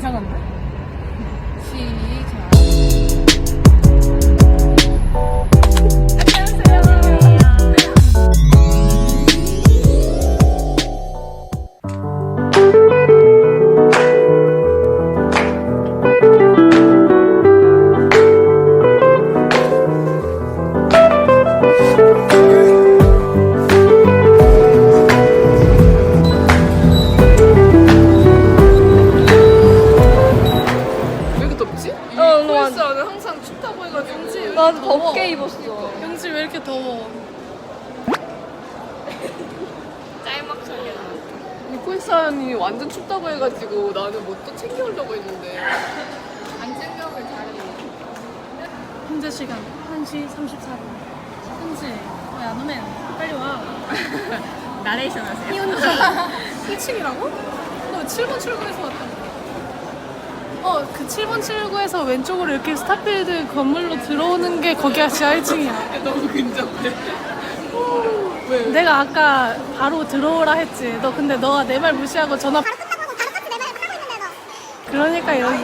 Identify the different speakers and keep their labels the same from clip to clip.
Speaker 1: 이상한데? 시작.
Speaker 2: 나도 덥게 입었어.
Speaker 1: 영지 왜 이렇게 더워?
Speaker 2: 짤막하게
Speaker 1: 니콜산이 완전 춥다고 해가지고 나는 뭐 또 챙겨오려고 했는데
Speaker 2: 안 챙겨오길 잘했네.
Speaker 3: 현재 시간 1시 34분. 현지, 야 너네 빨리 와.
Speaker 2: 나레이션 하세요.
Speaker 3: 이혼자 1층이라고? 너 7번 출구에서 왔다고. 그 7번 출구에서 왼쪽으로 이렇게 스타필드 건물로 들어오는 게 거기가 지하 1층이야.
Speaker 1: 너무 근접해. 왜?
Speaker 3: 내가 아까 바로 들어오라 했지. 너 근데 너가 내 말 무시하고 전화.
Speaker 4: 바로 끝나고 바로 같이 내 말을 하고 있는데 너.
Speaker 3: 그러니까 이러지.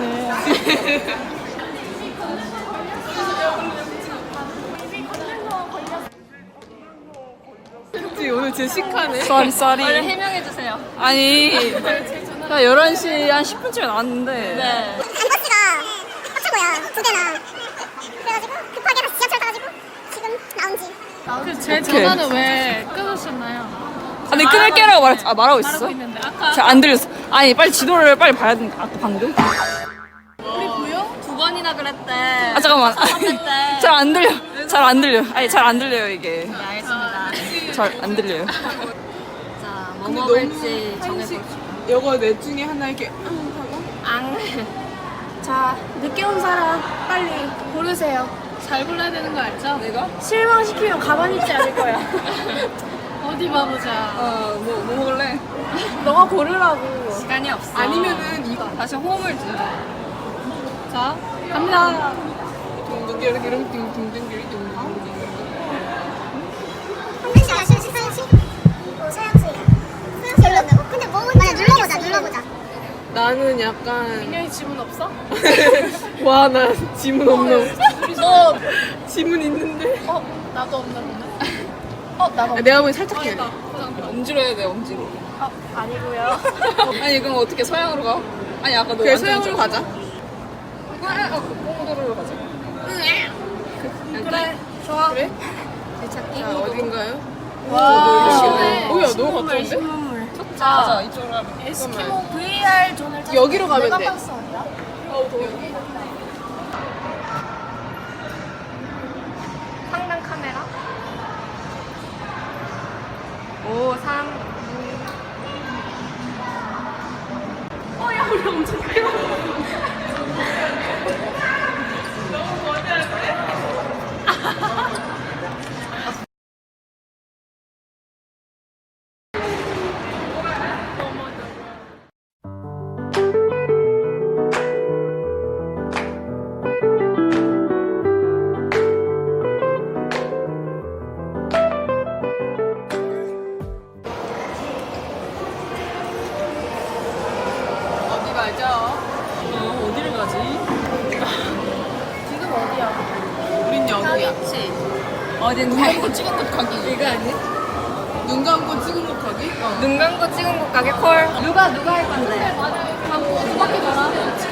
Speaker 1: 그치 오늘 제식하네.
Speaker 2: 썰이. 빨리 해명해주세요.
Speaker 5: 아니, 나 11시 한 10분쯤에 나왔는데.
Speaker 2: 네.
Speaker 4: 버스가 합쳐고요 2대나. 그래가지고 급하게 다시 지하철 타가지고 지금 나온 지.
Speaker 3: 제 전화는 왜 끊으셨나요?
Speaker 5: 아니, 끊을게라고 말하고
Speaker 3: 말하고
Speaker 5: 있었어?
Speaker 3: 있는데 아까
Speaker 5: 잘 안 들렸어. 아니, 빨리 지도를 빨리 봐야 되니까, 아까 방금.
Speaker 3: 우리 보여?
Speaker 2: 2번이나 그랬대.
Speaker 5: 아, 잠깐만.
Speaker 2: 그랬대.
Speaker 5: 잘 안 들려. 잘 안 들려. 아니, 잘 안 들려요, 이게.
Speaker 2: 네, 알겠습니다.
Speaker 5: 잘 안 들려요.
Speaker 2: 자, 뭐
Speaker 1: 근데
Speaker 2: 먹을지
Speaker 1: 너무
Speaker 2: 정해볼게요.
Speaker 1: 이거 넷 중에 하나 이렇게 하고
Speaker 2: 앙.
Speaker 3: 자, 늦게 온 사람 빨리 고르세요. 잘 골라야 되는 거 알죠?
Speaker 1: 내가?
Speaker 3: 실망시키면 가만히 있지 않을 거야. 어디 봐보자.
Speaker 5: 뭐 먹을래?
Speaker 3: 너가 고르라고.
Speaker 2: 시간이 없어.
Speaker 1: 아니면은 이거
Speaker 5: 다시 호흡을 주자.
Speaker 3: 자, 갑니다.
Speaker 1: 둥둥기를 기름 둥둥기를 둥둥.
Speaker 4: 한글씨가 실시상식. 서양수야. 서양수야. 근데 뭐 맞아 눌러보자.
Speaker 1: 나는 약간
Speaker 3: 민영이 지문 없어?
Speaker 1: 와 나 지문 없는.
Speaker 3: 너,
Speaker 1: 지문 있는데.
Speaker 3: 나도 없나 보네. 나도 없나?
Speaker 1: 내가 보기 살짝 해.
Speaker 5: 엄지로 해야 돼, 엄지로.
Speaker 3: 아니고요.
Speaker 5: 아니, 그럼 어떻게 서양으로 가? 아니, 아까 너
Speaker 1: 그래
Speaker 5: 완전
Speaker 1: 서양으로
Speaker 5: 좀-
Speaker 1: 가자.
Speaker 5: 뽕도로 가자.
Speaker 3: 그래, 좋아.
Speaker 1: 그래?
Speaker 2: 되찾기.
Speaker 1: 자 어딘가요?
Speaker 3: 와,
Speaker 1: 시원해. 뭐야 너무 가까운데?
Speaker 3: 신문물.
Speaker 5: 맞아, 이쪽으로 가면.
Speaker 3: 에스키모 VR 존을 찾아.
Speaker 1: 여기로 가면 돼.
Speaker 3: 메가박스 어디야?
Speaker 2: 상단 카메라. 5, 3.
Speaker 1: 어디 가죠?
Speaker 5: 어디를 가지?
Speaker 3: 지금 어디야?
Speaker 1: 우린 여기야.
Speaker 5: 어디 눈 감고 찍은 곳 가기. 이거 아니?
Speaker 1: 눈 감고 찍은 것 가기?
Speaker 2: 눈 감고 찍은 곳 가게 콜. 누가 할 건데?
Speaker 3: 두 바퀴 돌아.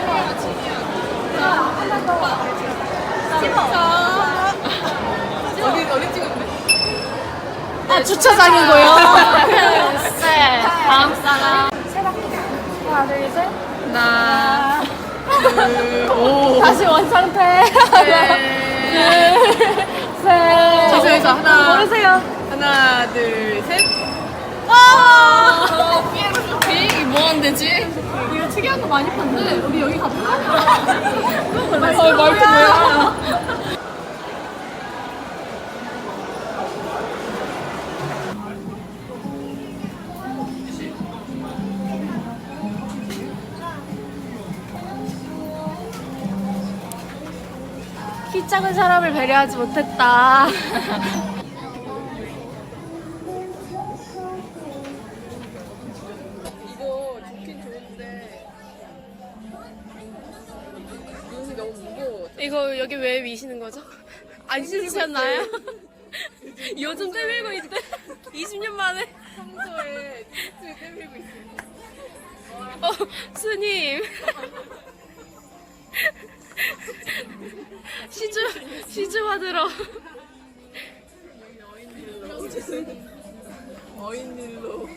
Speaker 1: 어디 찍었는데?
Speaker 3: 주차장이고요.
Speaker 2: 네. 다음 사람.
Speaker 3: 하나, 둘, 셋.
Speaker 2: 하나.
Speaker 1: 오.
Speaker 3: 다시 원상태. 하나, 둘, 셋.
Speaker 1: 자세에서 하나.
Speaker 3: 고르세요.
Speaker 1: 하나 둘 셋.
Speaker 5: 이게 뭐 하면 되지?
Speaker 3: 이거 특이한 거 많이 봤는데 우리 여기 가볼까?
Speaker 5: 말투 뭐야?
Speaker 3: 키 작은 사람을 배려하지 못했다.
Speaker 1: 이거 좋긴 좋은데
Speaker 3: 이거 여기 왜 미시는 거죠? 안 씻으셨나요? 요즘 때밀고 있대. 20년 만에.
Speaker 1: 평소에 티셔츠를 때밀고 있어요.
Speaker 3: 스님. 시주 받으러.
Speaker 1: 어인일로.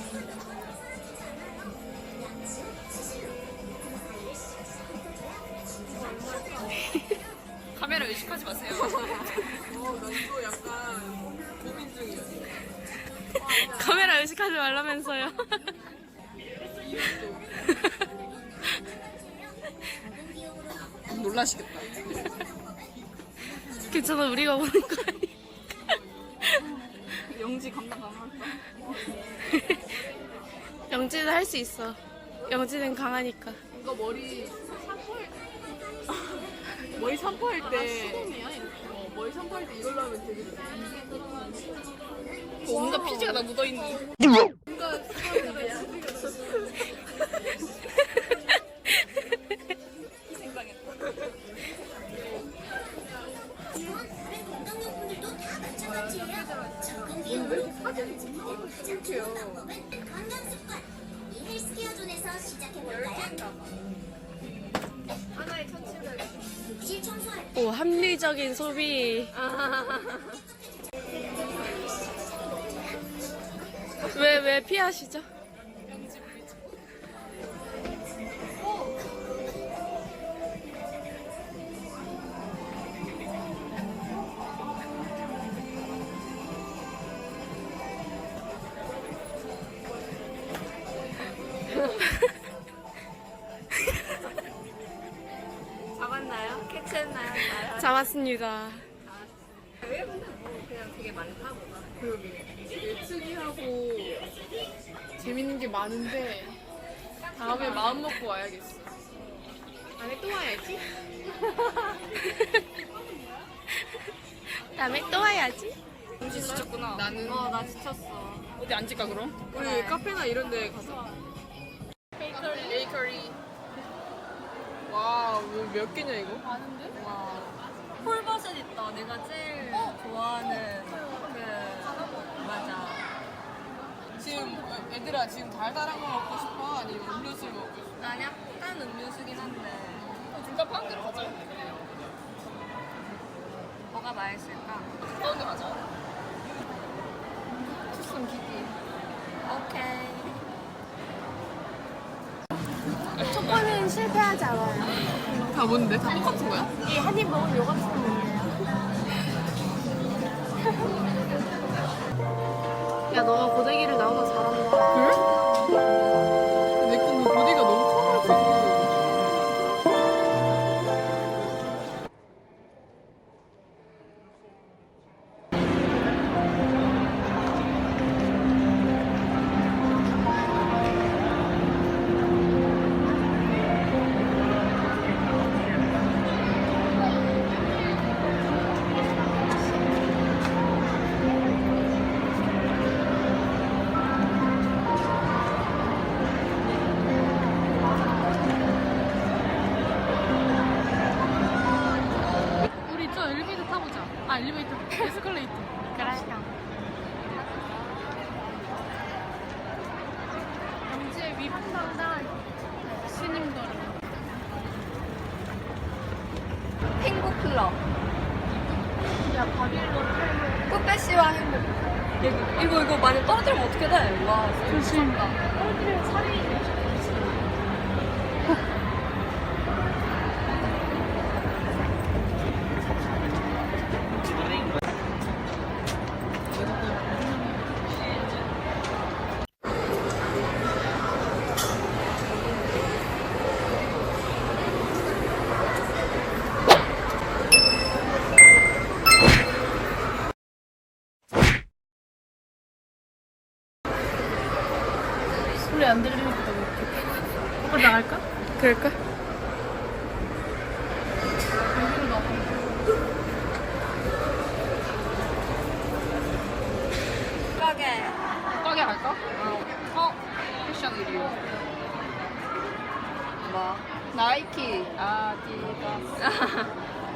Speaker 5: 카메라 의식하지 마세요.
Speaker 1: 난또 약간 고민 중이야.
Speaker 3: 카메라 의식하지 말라면서요.
Speaker 5: 놀라시겠다.
Speaker 3: 괜찮아, 우리가 보는 거 아니야.
Speaker 5: 영지 감당 가능할까?
Speaker 3: 영지는 할 수 있어. 영지는 강하니까.
Speaker 1: 이거 머리 샴푸할 때 머리 샴푸할 때 이걸로 하면 되게 좋아.
Speaker 5: 온갖 피지가 다 묻어있는.
Speaker 4: 헬스케어존에서 시작해볼까요? 하나에 1,700원. 욕실 청소할
Speaker 3: 오, 합리적인 소비. 왜 피하시죠?
Speaker 2: 잡았나요? 캐치했나요?
Speaker 3: 잡았습니다.
Speaker 2: 그냥 되게 많다 보다.
Speaker 1: 예측이하고 재밌는 게 많은데 다음에 마음 먹고 와야겠어.
Speaker 3: 다음에 또 와야지. 다음에 또 와야지.
Speaker 5: 영지 지쳤구나.
Speaker 1: 나는
Speaker 2: 나 지쳤어.
Speaker 5: 어디 앉을까 그럼?
Speaker 1: 우리 카페나 이런 데 가자. 베이커리. 와, 몇 개냐 이거?
Speaker 2: 와. 폴버섯 있다. 내가 제일 좋아하는 맞아.
Speaker 1: 지금 애들아 지금 달달한 거 먹고 싶어? 아니면 음료수 먹고 싶어?
Speaker 2: 난 약간 음료수긴 한데
Speaker 5: 둘다 파는 데로 가자.
Speaker 2: 뭐가 맛있을까?
Speaker 5: 가까운 데 가자.
Speaker 1: 투썸 기기.
Speaker 2: 오케이.
Speaker 3: 첫 번은 실패하지 않아요.
Speaker 1: 다 뭔데? 다 똑같은 거야?
Speaker 3: 이 한 입 먹으면 요거트 먹는데요. 야, 너가 고데기를 나오나 잘한다.
Speaker 1: 그래? 내 거는 보디가 너무 커가지고.
Speaker 3: 우리 저 엘리베이터 타보자. 아, 엘리베이터. 에스컬레이터. 그래. 영지의 위판단단 스님들.
Speaker 2: 행복 클럽.
Speaker 3: 야, 바빌론.
Speaker 2: 끝배씨와 행복. 이거 많이 떨어뜨리면 어떻게 돼? 와,
Speaker 3: 조심. 떨어뜨리면 살이. 소리 안 들리니까 너무 웃겨. 오빠 나갈까? 그럴까? 여기로 나가.
Speaker 2: 가게.
Speaker 5: 가게 갈까? 패션 의류.
Speaker 2: 뭐?
Speaker 5: 나이키, 아디다스.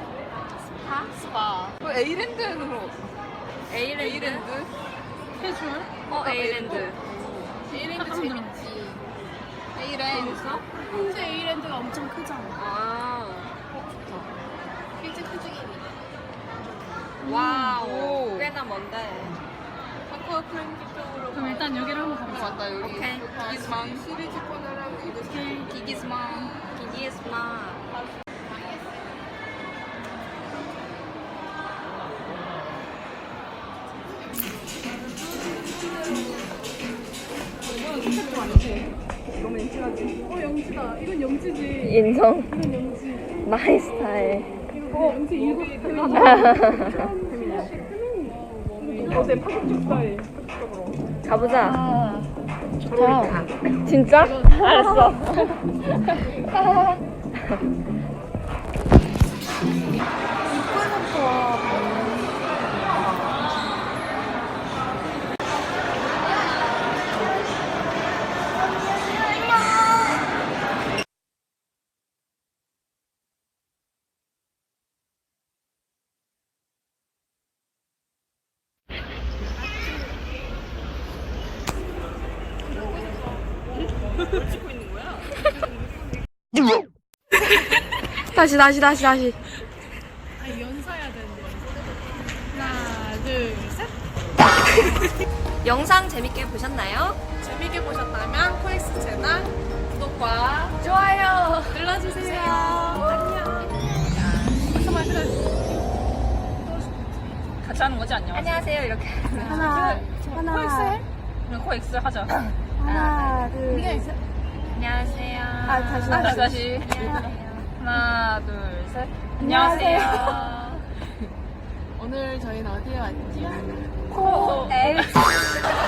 Speaker 5: 스파.
Speaker 1: 에이랜드로.
Speaker 5: 에이랜드?
Speaker 3: 캐주얼?
Speaker 5: 에이랜드.
Speaker 1: 에이랜드 재밌지. 에이랜드.
Speaker 3: 현재 에이랜드가 엄청 크잖아.
Speaker 5: 아.
Speaker 1: 일찍 크중이니까.
Speaker 5: 와우. 꽤나 먼데.
Speaker 1: 아쿠아 프렌즈 쪽으로.
Speaker 3: 그럼 일단 여기를 한번 가보자.
Speaker 1: 맞다 여기.
Speaker 5: 오케이.
Speaker 1: 기기스망 시리즈 코너랑 이거
Speaker 5: 기기스마. 기기스마.
Speaker 3: 영지다. 이건 영지지.
Speaker 5: 인정.
Speaker 3: 이건 영지.
Speaker 5: 마이 스타일.
Speaker 3: 영지 일곱
Speaker 5: 가보자. 좋다. 진짜? 알았어. 다시.
Speaker 3: 아, 연사해야 되는데. 하나, 둘, 셋.
Speaker 5: 영상 재밌게 보셨나요?
Speaker 1: 재밌게 보셨다면 코엑스 채널
Speaker 5: 구독과 좋아요
Speaker 3: 눌러주세요.
Speaker 5: 같이 하는 거지? 안녕하세요 이렇게
Speaker 3: 하나, 코엑스
Speaker 5: 그럼 코엑스 하자.
Speaker 3: 하나, 둘, 셋.
Speaker 5: 안녕하세요.
Speaker 3: 다시.
Speaker 5: 하나 둘 셋. 안녕하세요.
Speaker 1: 오늘 저희는 어디에 왔지?
Speaker 5: 코엑스.